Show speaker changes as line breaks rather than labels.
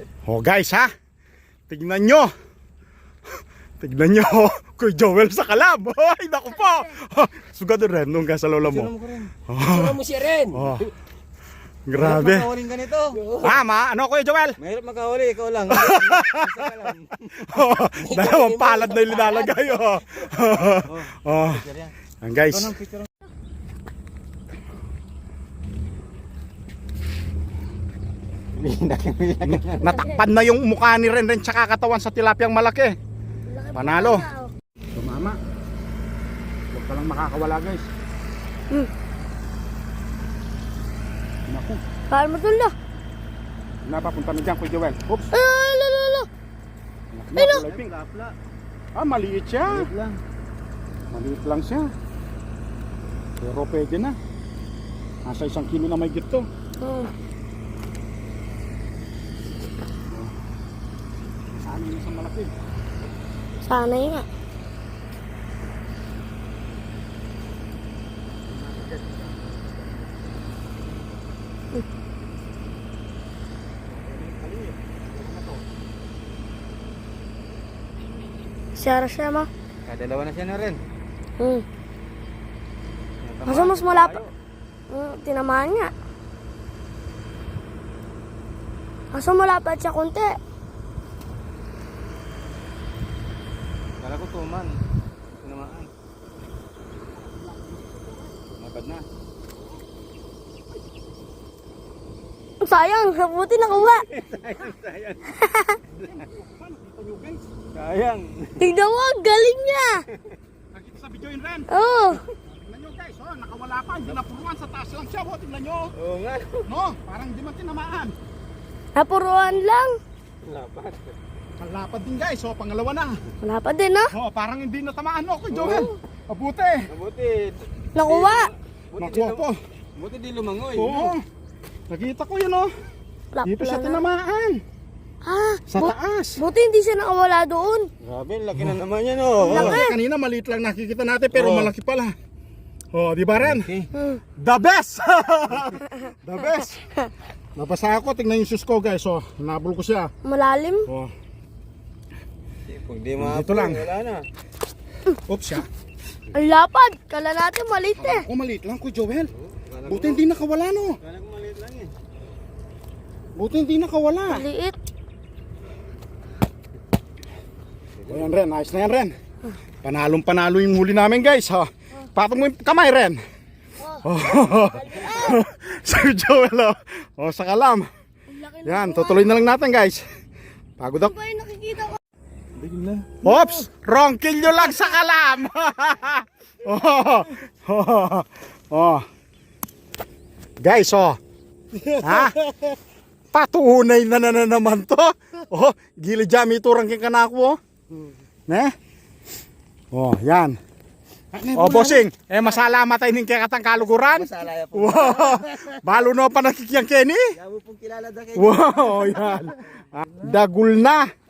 Oh guys ha, tignan nyo. Tignan nyo, Kuya Joel sa kalam. Ay, naku po. Sugado rin nung sa lola mo.
Sura mo siya rin.
Oh. Grabe.
Makahuling ganito.
Ano Kuya Joel?
Mahirap makahuli, ikaw lang.
Dalawang palad na yung linalagay. Ang guys. Natakpan na yung mukha ni Ren tsaka katawan sa tilapiyang malaki. Panalo. Tumama. Huwag ka lang makakawala guys. Naku.
Paano mo tulo?
Napapunta na dyan Kuya Joel. Oops.
Lalo.
Kulay pink. Maliit siya. Maliit lang siya. Pero pwede na. Nasa 1 kilo na may gito. Saan yun sa malaki?
Sana yun nga. Siya mo.
Kadalawa na siya na rin.
Masa mas malapit. Tinamaan niya. Masa malapit siya konti.
Kala ko tuman. Tinamaan. Mabad na.
Sayang, buti nakuha.
Sayang.
Tignan mo, galing niya.
Nakita sa video yun Ren.
Oo.
Tingnan nyo guys, nakawala pa. Hindi napuruan, sa taas lang siya. Tingnan nyo.
Oo nga.
No, parang di man tinamaan.
Napuruan lang.
Lapat.
Malapad din guys, pangalawa na.
Wala pa din, no?
Parang hindi natamaan Kuya Joel. Mabuti.
Mabuti.
Nakuha.
Nakuha po.
Buti di lumangoy.
Oo. Nakita ko yun Dito siya tinamaan. Sa taas.
Buti hindi siya nakawala doon.
Grabe, laki na naman yan oh.
Kanina maliit lang nakikita natin pero malaki pala. Di ba Ren?
Okay.
The best! The best! Nabasa ako, tingnan yung shoes ko guys. Nabul ko siya.
Malalim.
Kung di mga
Dito lang.
wala na.
Oops siya.
Ang lapad. Kala natin maliit eh.
Maliit lang Kuya Joel. Buti hindi nakawala
Kala ko maliit lang eh.
Buti hindi nakawala.
Maliit.
Ayan Ren, ayos na yan Ren. Panalong-panalo yung huli namin guys. Patong mo yung kamay Ren. Sa Joel sa kalam. Yan, tutuloy na lang natin guys. Pagod ako.
Ano ba yung nakikita ko?
Oops! Wrong kill nyo lang sa kalam! Guys, ha? Patunay na naman to. Gilid jami turang king kanako. Ne? Yan. Bossing, masalamat tayo ning kakatang kaluguran.
Masalaya po.
Balo na pa nakikiyang Kenny.
Yawo pong kilala da kayo.
Wow, yan. Dagul na.